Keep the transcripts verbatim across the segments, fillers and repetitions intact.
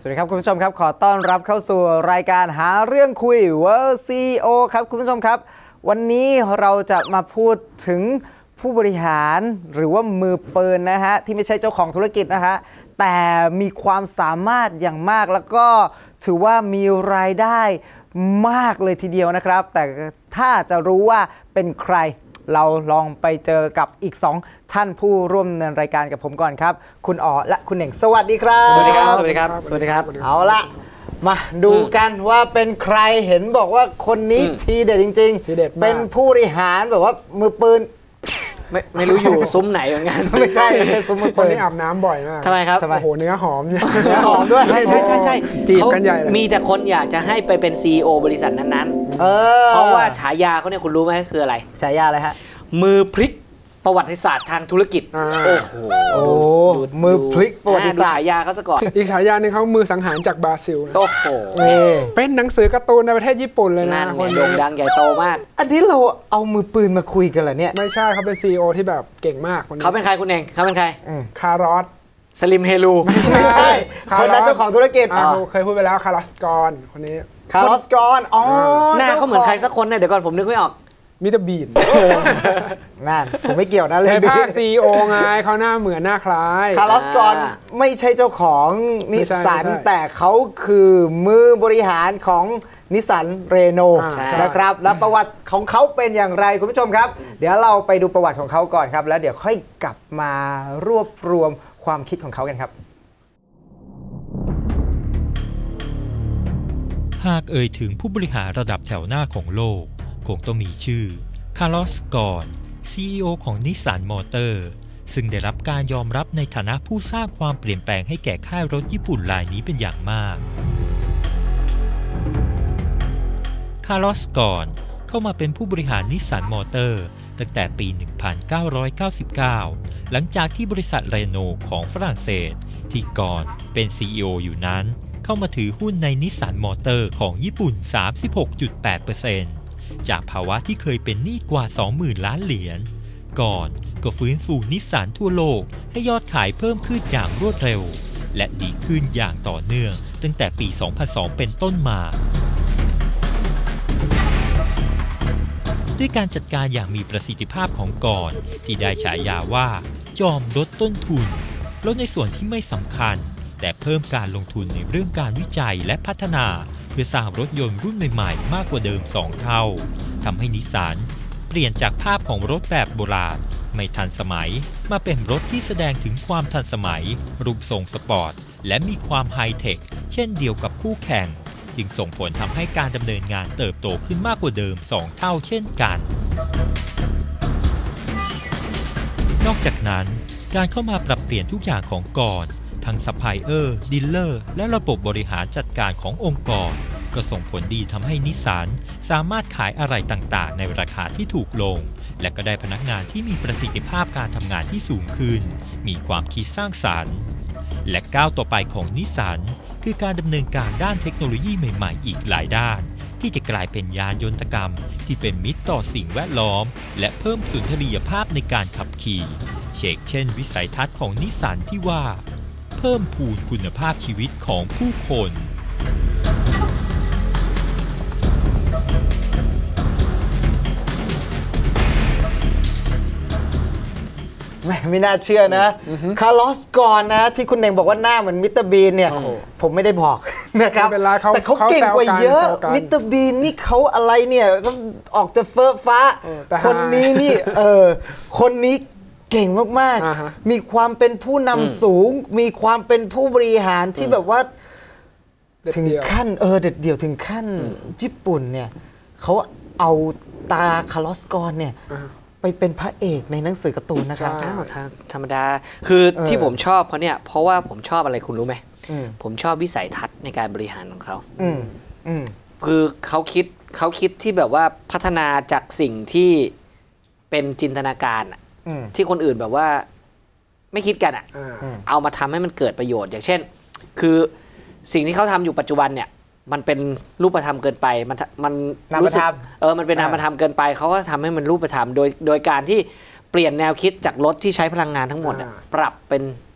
วัสดีครับคุณผู้ชมครับขอต้อนรับเข้าสู่รายการหาเรื่องคุย World ซี อี โอ ครับคุณผู้ชมครับวันนี้เราจะมาพูดถึงผู้บริหารหรือว่ามือปืนนะฮะที่ไม่ใช่เจ้าของธุรกิจนะฮะแต่มีความสามารถอย่างมากแล้วก็ถือว่ามีรายได้มากเลยทีเดียวนะครับแต่ถ้าจะรู้ว่าเป็นใครเราลองไปเจอกับอีกสองท่านผู้ร่วมดำเนินรายการกับผมก่อนครับคุณอ๋อและคุณเหน่งสวัสดีครับสวัสดีครับสวัสดีครับสวัสดีครับเอาละมาดูกันว่าเป็นใครเห็นบอกว่าคนนี้ทีเด็ดจริงๆเป็นผู้บริหารแบบว่ามือปืนไม่ไม่รู้อยู่ซุ้มไหนเหมือนกันไม่ใช่ไม่ใช่ซุ้มมือปืนนี่อาบน้ำบ่อยมากทำไมครับโอ้โหเนื้อหอมเนื้อหอมด้วยใช่ใช่ใช่ใช่จีบกันใหญ่เลยมีแต่คนอยากจะให้ไปเป็น ซี อี โอ บริษัทนั้นๆเออเพราะว่าฉายาเขาเนี่ยคุณรู้ไหมคืออะไรฉายาอะไรฮะมือพลิกประวัติศาสตร์ทางธุรกิจโอ้โหโอ้มือพลิกประวัติศาสตร์ฉายาเขาซะก่อนอีกฉายาหนึ่งเขามือสังหารจากบราซิลโอ้โหเป็นหนังสือการ์ตูนในประเทศญี่ปุ่นเลยนะคนโด่งดังใหญ่โตมากอันนี้เราเอามือปืนมาคุยกันเหรอเนี่ยไม่ใช่เขาเป็น ซี อี โอ ที่แบบเก่งมากเขาเป็นใครคุณเองเขาเป็นใครคาร์ลอสสลิมเฮลูไม่ใช่คนนั้นเจ้าของธุรกิจเคยพูดไปแล้วคาร์ลอสกอนคนนี้คาร์ลอสกอนอ๋อหน้าเขาเหมือนใครสักคนเนี่ยเดี๋ยวก่อนผมนึกไม่ออกมิสเตอร์บีนนั่นผมไม่เกี่ยวนะเลยในภาค ซี อี โอ ไงเขาหน้าเหมือนหน้าคล้ายคาร์ลอสกอนไม่ใช่เจ้าของนิสสันแต่เขาคือมือบริหารของนิสสันเรโนนะครับแล้วประวัติของเขาเป็นอย่างไรคุณผู้ชมครับเดี๋ยวเราไปดูประวัติของเขาก่อนครับแล้วเดี๋ยวค่อยกลับมารวบรวมความคิดของเขากันครับหากเอ่ยถึงผู้บริหารระดับแถวหน้าของโลกคงต้องมีชื่อคาร์ลอส กอน ซี อี โอ ของนิสสันมอเตอร์ซึ่งได้รับการยอมรับในฐานะผู้สร้างความเปลี่ยนแปลงให้แก่ค่ายรถญี่ปุ่นรายนี้เป็นอย่างมากคาร์ลอส กอนเข้ามาเป็นผู้บริหารนิสสันมอเตอร์ตั้งแต่ปี หนึ่งพันเก้าร้อยเก้าสิบเก้า หลังจากที่บริษัทเรโนของฝรั่งเศสที่กอนเป็น ซี อี โอ อยู่นั้นเข้ามาถือหุ้นในนิสสันมอเตอร์ของญี่ปุ่น สามสิบหกจุดแปดเปอร์เซ็นต์จากภาวะที่เคยเป็นหนี้กว่า สองหมื่น ล้านเหรียญก่อนก็ฟื้นฟูนิสสันทั่วโลกให้ยอดขายเพิ่มขึ้นอย่างรวดเร็วและดีขึ้นอย่างต่อเนื่องตั้งแต่ปี สองพันสอง เป็นต้นมาด้วยการจัดการอย่างมีประสิทธิภาพของก่อนที่ได้ฉายาว่าจอมลดต้นทุนลดในส่วนที่ไม่สำคัญแต่เพิ่มการลงทุนในเรื่องการวิจัยและพัฒนาเพื่อสร้างรถยนต์รุ่นใหม่ๆมากกว่าเดิมสองเท่าทำให้นิสสันเปลี่ยนจากภาพของรถแบบโบราณไม่ทันสมัยมาเป็นรถที่แสดงถึงความทันสมัยรูปทรงสปอร์ตและมีความไฮเทคเช่นเดียวกับคู่แข่งจึงส่งผลทำให้การดำเนินงานเติบโตขึ้นมากกว่าเดิมสองเท่าเช่นกันนอกจากนั้นการเข้ามาปรับเปลี่ยนทุกอย่างของก่อนทั้งซัพพลายเออร์ ดีลเลอร์และระบบบริหารจัดการขององค์กรก็ส่งผลดีทำให้นิสสันสามารถขายอะไรต่างๆในราคาที่ถูกลงและก็ได้พนักงานที่มีประสิทธิภาพการทำงานที่สูงขึ้นมีความคิดสร้างสรรค์และก้าวต่อไปของนิสสันคือการดำเนินการด้านเทคโนโลยีใหม่ๆอีกหลายด้านที่จะกลายเป็นยานยนตกรรมที่เป็นมิตรต่อสิ่งแวดล้อมและเพิ่มสุนทรียภาพในการขับขี่เช่นเช่นวิสัยทัศน์ของนิสสันที่ว่าเพิ่มพูนคุณภาพชีวิตของผู้คนไม่ไม่น่าเชื่อนะคาร์ลอสกอนนะที่คุณเน่งบอกว่าหน้าเหมือนมิสเตอร์บีนเนี่ยผมไม่ได้บอกนะครับแต่เขาเก่งกว่าเยอะมิสเตอร์บีนนี่เขาอะไรเนี่ยก็ออกจะเฟ้อฟ้าคนนี้นี่เออคนนี้เก่งมากๆมีความเป็นผู้นำสูงมีความเป็นผู้บริหารที่แบบว่าถึงขั้นเออเด็ดเดี่ยวถึงขั้นญี่ปุ่นเนี่ยเขาเอาตาคาร์ลอสกอนเนี่ยไปเป็นพระเอกในหนังสือการ์ตูนนะครับธรรมดาคือที่ผมชอบเขาเนี่ยเพราะว่าผมชอบอะไรคุณรู้ไหมผมชอบวิสัยทัศน์ในการบริหารของเขาคือเขาคิดเขาคิดที่แบบว่าพัฒนาจากสิ่งที่เป็นจินตนาการที่คนอื่นแบบว่าไม่คิดกันอ่ะเอามาทำให้มันเกิดประโยชน์อย่างเช่นคือสิ่งที่เขาทำอยู่ปัจจุบันเนี่ยมันเป็นรูปธรรมเกินไปมันมันรู้สึกเออมันเป็นนามธรรมเกินไปเขาก็ทำให้มันรูปธรรมโดยโดยการที่เปลี่ยนแนวคิดจากรถที่ใช้พลังงานทั้งหมดปรับเป็น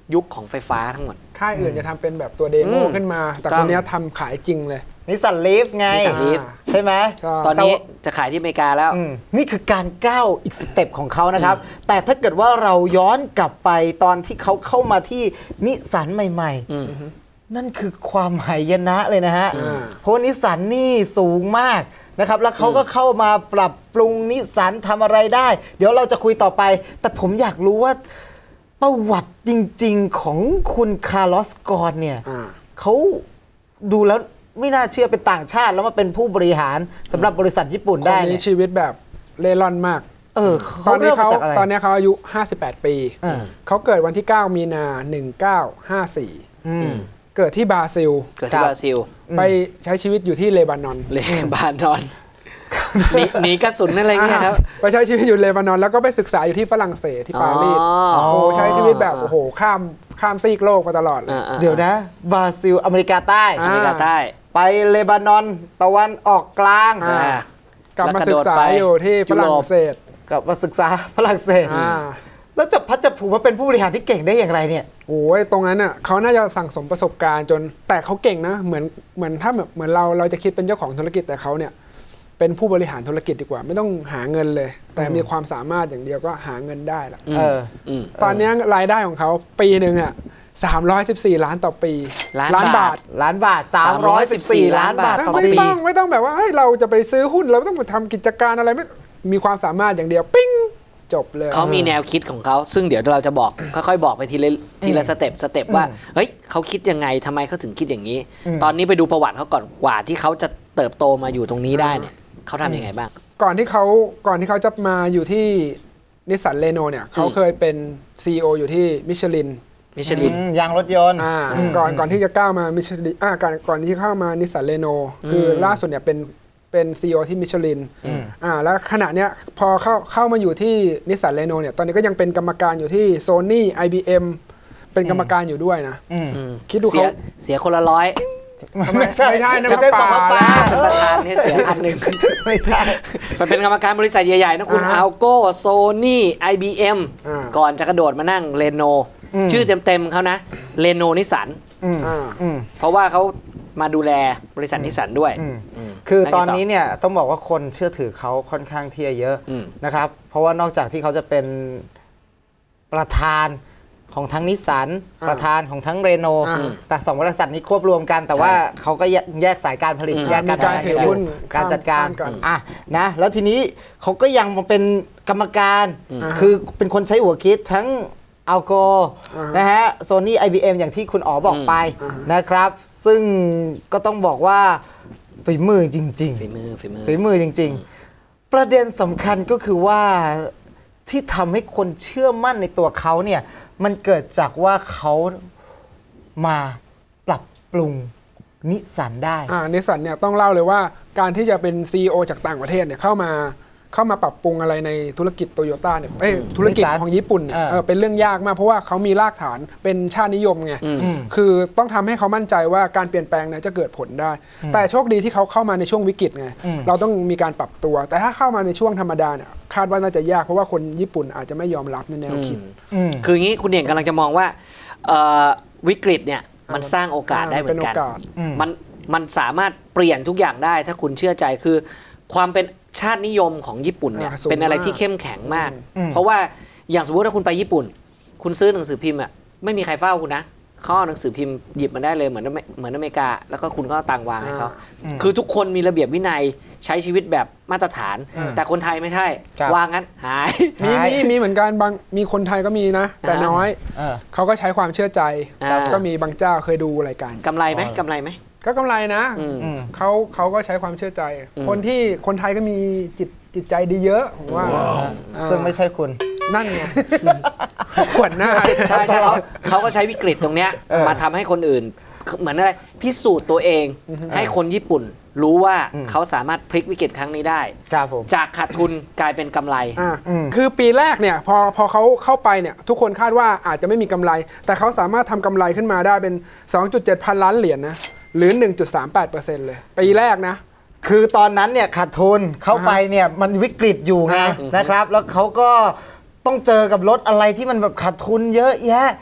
ยุคของไฟฟ้าทั้งหมดค่ายอื่นจะทำเป็นแบบตัวเดโมขึ้นมาแต่คนนี้ทำขายจริงเลยนิสสันลีฟไงนิสสันลีฟใช่ไหมตอนนี้จะขายที่อเมริกาแล้วนี่คือการก้าวอีกสเต็ปของเขานะครับแต่ถ้าเกิดว่าเราย้อนกลับไปตอนที่เขาเข้ามาที่นิสสันใหม่ๆนั่นคือความหายนะเลยนะฮะเพราะนิสสันนี่สูงมากนะครับแล้วเขาก็เข้ามาปรับปรุงนิสสันทำอะไรได้เดี๋ยวเราจะคุยต่อไปแต่ผมอยากรู้ว่าประวัติจริงๆของคุณคาร์ลอสกอนเนี่ยเขาดูแล้วไม่น่าเชื่อเป็นต่างชาติแล้วมาเป็นผู้บริหารสำหรับบริษัทญี่ปุ่นได้คนนี้ชีวิตแบบเล่ร่อนมากเออตอนนี้เขาตอนนี้เขาอายุห้าสิบแปดปีเขาเกิดวันที่เก้ามีนาหนึ่งเก้าห้าสี่เกิดที่บราซิลเกิดที่บราซิลไปใช้ชีวิตอยู่ที่เลบานอนเลบานอนหนีกระสุนอะไรเงี้ยครับไปใช้ชีวิตอยู่เลบานอนแล้วก็ไปศึกษาอยู่ที่ฝรั่งเศสที่ปารีสโอ้ใช้ชีวิตแบบโอ้โหข้ามข้ามซีกโลกมาตลอดเลยเดี๋ยวนะบราซิลอเมริกาใต้อเมริกาใต้ไปเลบานอนตะวันออกกลางกลับมาศึกษาอยู่ที่ฝรั่งเศสกลับมาศึกษาฝรั่งเศสแล้วจะพัดจะผูกมาเป็นผู้บริหารที่เก่งได้อย่างไรเนี่ยโอ้ยตรงนั้นอ่ะเขาน่าจะสั่งสมประสบการณ์จนแต่เขาเก่งนะเหมือนเหมือนถ้าแบบเหมือนเราเราจะคิดเป็นเจ้าของธุรกิจแต่เขาเนี่ยเป็นผู้บริหารธุรกิจดีกว่าไม่ต้องหาเงินเลยแต่มีความสามารถอย่างเดียวก็หาเงินได้ละตอนนี้รายได้ของเขาปีหนึ่งอ่ะสามร้อยสิบสี่ล้านต่อปีล้านบาทล้านบาทสามร้อยสิบสี่ล้านบาทต่อปีไม่ต้องไม่ต้องแบบว่าเราจะไปซื้อหุ้นเราต้องมาทำกิจการอะไรไม่มีความสามารถอย่างเดียวปิ้งจบเลยเขามีแนวคิดของเขาซึ่งเดี๋ยวเราจะบอกค่อยๆบอกไปทีละทีละสเต็ปสเต็ปว่าเฮ้ยเขาคิดยังไงทำไมเขาถึงคิดอย่างนี้ตอนนี้ไปดูประวัติเขาก่อนกว่าที่เขาจะเติบโตมาอยู่ตรงนี้ได้เนี่ยเขาทำยังไงบ้างก่อนที่เขาก่อนที่เขาจะมาอยู่ที่นิสสันเรโนเนี่ยเขาเคยเป็น ซี อี โอ อยู่ที่มิชลินมิชลินยางรถยนต์ก่อนก่อนที่จะก้าวมามิชลินอ่าก่อนก่อนที่เข้ามานิสสันเรโนคือล่าสุดเนี่ยเป็นเป็น ซี อี โอ ที่มิชลินอ่าแล้วขณะเนี้ยพอเข้าเข้ามาอยู่ที่นิสสันเรโนเนี่ยตอนนี้ก็ยังเป็นกรรมการอยู่ที่โซนี่ ไอ บี เอ็ม เป็นกรรมการอยู่ด้วยนะคิดดูเขาเสียคนละร้อยไม่ใช่ไม่ใช่จะได้สองปลาเป็นประธานนี่เสียพันหนึ่งไม่ใช่มันเป็นกรรมการบริษัทใหญ่ๆนะคุณอัลโก้โซนี่ ไอ บี เอ็ม ก่อนจะกระโดดมานั่งเรโนชื่อเต็มๆเขานะเรโนนิสสันเพราะว่าเขามาดูแลบริษัทนิสสันด้วยคือตอนนี้เนี่ยต้องบอกว่าคนเชื่อถือเขาค่อนข้างที่จะเยอะนะครับเพราะว่านอกจากที่เขาจะเป็นประธานของทั้งนิสสันประธานของทั้งเรโนสองบริษัทนี้ควบรวมกันแต่ว่าเขาก็แยกสายการผลิตแยกการถือหุ้นการจัดการอ่ะนะแล้วทีนี้เขาก็ยังมาเป็นกรรมการคือเป็นคนใช้หัวคิดทั้งอัลโกนะฮะโซนี่ ไอ บี เอ็ม อย่างที่คุณอ๋อบอกไปนะครับซึ่งก็ต้องบอกว่าฝีมือจริงๆฝีมือฝีมือฝีมือจริงๆประเด็นสำคัญก็คือว่าที่ทำให้คนเชื่อมั่นในตัวเขาเนี่ยมันเกิดจากว่าเขามาปรับปรุงนิสสันได้อ่านิสสันเนี่ยต้องเล่าเลยว่าการที่จะเป็น ซี อี โอ จากต่างประเทศเนี่ยเข้ามาเข้ามาปรับปรุงอะไรในธุรกิจโตโยต้าเนี่ยธุรกิจของญี่ปุ่นเนี่ยเป็นเรื่องยากมากเพราะว่าเขามีรากฐานเป็นชาตินิยมไงคือต้องทำให้เขามั่นใจว่าการเปลี่ยนแปลงเนี่ยจะเกิดผลได้แต่โชคดีที่เขาเข้ามาในช่วงวิกฤตไงเราต้องมีการปรับตัวแต่ถ้าเข้ามาในช่วงธรรมดาเนี่ยคาดว่าน่าจะยากเพราะว่าคนญี่ปุ่นอาจจะไม่ยอมรับในแนวคิดคืออย่างนี้คุณเด่นกำลังจะมองว่าวิกฤตเนี่ยมันสร้างโอกาสได้เหมือนกันมันมันสามารถเปลี่ยนทุกอย่างได้ถ้าคุณเชื่อใจคือความเป็นชาตินิยมของญี่ปุ่นเนี่ยเป็นอะไรที่เข้มแข็งมากเพราะว่าอย่างสมมติถ้าคุณไปญี่ปุ่นคุณซื้อหนังสือพิมพ์อ่ะไม่มีใครเฝ้าคุณนะเขาเอาหนังสือพิมพ์หยิบมาได้เลยเหมือนเหมือนอเมริกาแล้วก็คุณก็ตังวางให้เขาคือทุกคนมีระเบียบวินัยใช้ชีวิตแบบมาตรฐานแต่คนไทยไม่ใช่วางงั้นหายมีมีมีเหมือนกันบางมีคนไทยก็มีนะแต่น้อยเขาก็ใช้ความเชื่อใจก็มีบางเจ้าเคยดูรายการกำไรไหมกำไรไหมก็กำไรนะเขาเขาก็ใช้ความเชื่อใจคนที่คนไทยก็มีจิตจิตใจดีเยอะผมว่าซึ่งไม่ใช่คุณนั่นไงขวดหน้าใช่ใช่เขาเขาก็ใช้วิกฤตตรงเนี้ยมาทำให้คนอื่นเหมือนอะไรพิสูจน์ตัวเองให้คนญี่ปุ่นรู้ว่าเขาสามารถพลิกวิกฤตครั้งนี้ได้จากขาดทุนกลายเป็นกำไรคือปีแรกเนี่ยพอพอเขาเข้าไปเนี่ยทุกคนคาดว่าอาจจะไม่มีกำไรแต่เขาสามารถทำกำไรขึ้นมาได้เป็น สองจุดเจ็ด พันล้านเหรียญนะหรือ หนึ่งจุดสามแปดเปอร์เซ็นต์ เลยปีแรกนะคือตอนนั้นเนี่ยขาดทุนเข้าไปเนี่ยมันวิกฤตอยู่ไงนะครับแล้วเขาก็ต้องเจอกับรถอะไรที่มันแบบขาดทุนเยอะแยะ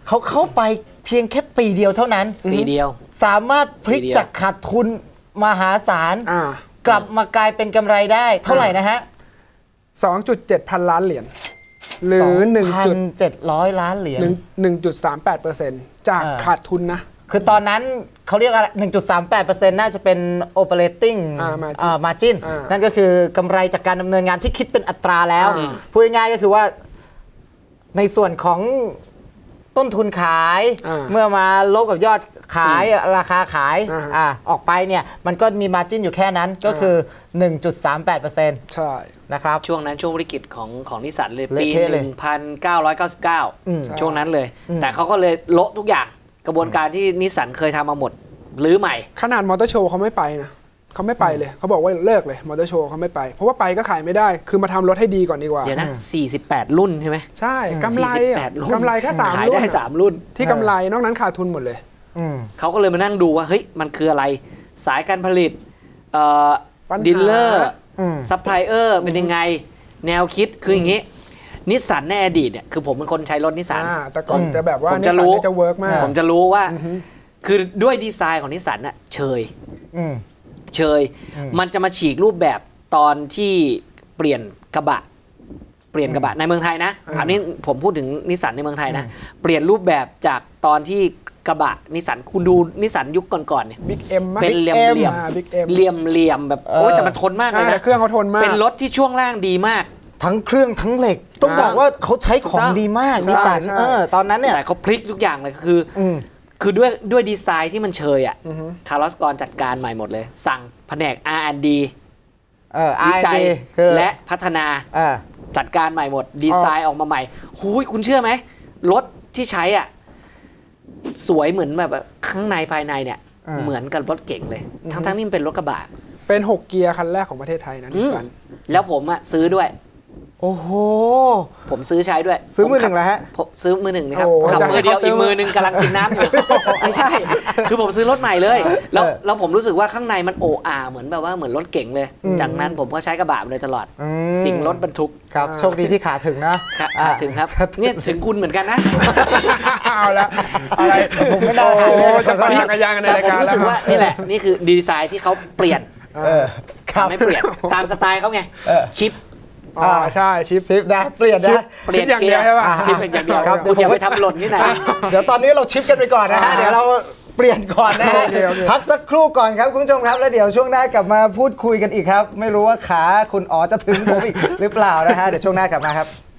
เขาเข้าไปเพียงแค่ปีเดียวเท่านั้นปีเดียวสามารถพลิกจากขาดทุนมหาศาลกลับมากลายเป็นกำไรได้เท่าไหร่นะฮะสองจุดเจ็ด พันล้านเหรียญหรือ หนึ่งพันเจ็ดร้อย ล้านเหรียญหนึ่งจุดสามแปดเปอร์เซ็นต์ จากขาดทุนนะคือตอนนั้นเขาเรียกอะไร หนึ่งจุดสามแปดเปอร์เซ็นต์ น่าจะเป็น operating margin นั่นก็คือกำไรจากการดำเนินงานที่คิดเป็นอัตราแล้วพูดง่ายๆก็คือว่าในส่วนของต้นทุนขายเมื่อมาลบกับยอดขายราคาขายอออกไปเนี่ยมันก็มี margin อยู่แค่นั้นก็คือ หนึ่งจุดสามแปดเปอร์เซ็นต์ใช่นะครับช่วงนั้นช่วงวิกฤตของของนิสสันเลยปีหนึ่งพันเก้าร้อยเก้าสิบเก้าช่วงนั้นเลยแต่เขาก็เลยโละทุกอย่างกระบวนการที่นิสสันเคยทำมาหมดหรือใหม่ขนาดมอเตอร์โชว์เขาไม่ไปนะเขาไม่ไปเลยเขาบอกว่าเลิกเลยมอเตอร์โชว์เขาไม่ไปเพราะว่าไปก็ขายไม่ได้คือมาทำรถให้ดีก่อนดีกว่าเดี๋ยวนะสี่สิบแปดรุ่นใช่ไหมใช่กำไรกำไรแค่สามรุ่นขายได้สามรุ่นที่กำไรนอกนั้นขาดทุนหมดเลยเขาก็เลยมานั่งดูว่าเฮ้ยมันคืออะไรสายการผลิตดีลเลอร์ซัพพลายเออร์เป็นยังไงแนวคิดคืออย่างนี้นิสสันในอดีตเนี่ยคือผมเป็นคนใช้รถนิสสันแต่ก่อนจะแบบว่าผมจะรู้จะเวิร์กมากผมจะรู้ว่าคือด้วยดีไซน์ของนิสสันน่ะเชยเชยมันจะมาฉีกรูปแบบตอนที่เปลี่ยนกระบะเปลี่ยนกระบะในเมืองไทยนะอันนี้ผมพูดถึงนิสสันในเมืองไทยนะเปลี่ยนรูปแบบจากตอนที่กระบะนิสสันคุณดูนิสสันยุคก่อนๆเนี่ยเป็นเหลี่ยมเหลี่ยมเหลี่ยมเหลี่ยมแบบโอ้แต่มันทนมากเลยนะเครื่องเขาทนมากเป็นรถที่ช่วงล่างดีมากทั้งเครื่องทั้งเหล็กต้องบอกว่าเขาใช้ของดีมากนิสสันตอนนั้นเนี่ยแต่เขาพลิกทุกอย่างเลยคือคือด้วยด้วยดีไซน์ที่มันเชยอ่ะคาร์ลอสกอนจัดการใหม่หมดเลยสั่งแผนก อาร์ แอนด์ ดี วิจัยและพัฒนาจัดการใหม่หมดดีไซน์ออกมาใหม่หูยคุณเชื่อไหมรถที่ใช้อ่ะสวยเหมือนแบบข้างในภายในเนี่ยเหมือนกับรถเก๋งเลยทั้งทั้งนี่มันเป็นรถกระบะเป็นหกเกียร์คันแรกของประเทศไทยนะนิสสันแล้วผมอ่ะซื้อด้วยโอ้โหผมซื้อใช้ด้วยซื้อมือหนึ่งแล้วฮะผมซื้อมือหนึ่งนะครับขับมือเดียวอีกมือหนึ่งกำลังกินน้ำอยู่ไม่ใช่คือผมซื้อรถใหม่เลยแล้วแล้วผมรู้สึกว่าข้างในมันโออาเหมือนแบบว่าเหมือนรถเก๋งเลยจากนั้นผมก็ใช้กระบะมาเลยตลอดสิ่งรถบรรทุกครับโชคดีที่ขาถึงนะขาถึงครับเนี่ยถึงคุณเหมือนกันนะเอาละอะไรผมไม่ได้จะไปทางยางในรายการผมรู้สึกว่านี่แหละนี่คือดีไซน์ที่เขาเปลี่ยนไม่เปลี่ยนตามสไตล์เขาไงชิปอ่าใช่ชิปชิปนะเปลี่ยนนะเปลี่ยนอย่างเดียวใช่ป่ะชิปเป็นอย่างเดียวครับเดี๋ยวผมไปทำหล่นที่ไหนเดี๋ยวตอนนี้เราชิปกันไปก่อนนะฮะเดี๋ยวเราเปลี่ยนก่อนนะฮะพักสักครู่ก่อนครับคุณผู้ชมครับแล้วเดี๋ยวช่วงหน้ากลับมาพูดคุยกันอีกครับไม่รู้ว่าขาคุณอ๋อจะถึงผมอีกหรือเปล่านะฮะเดี๋ยวช่วงหน้ากลับมาครับ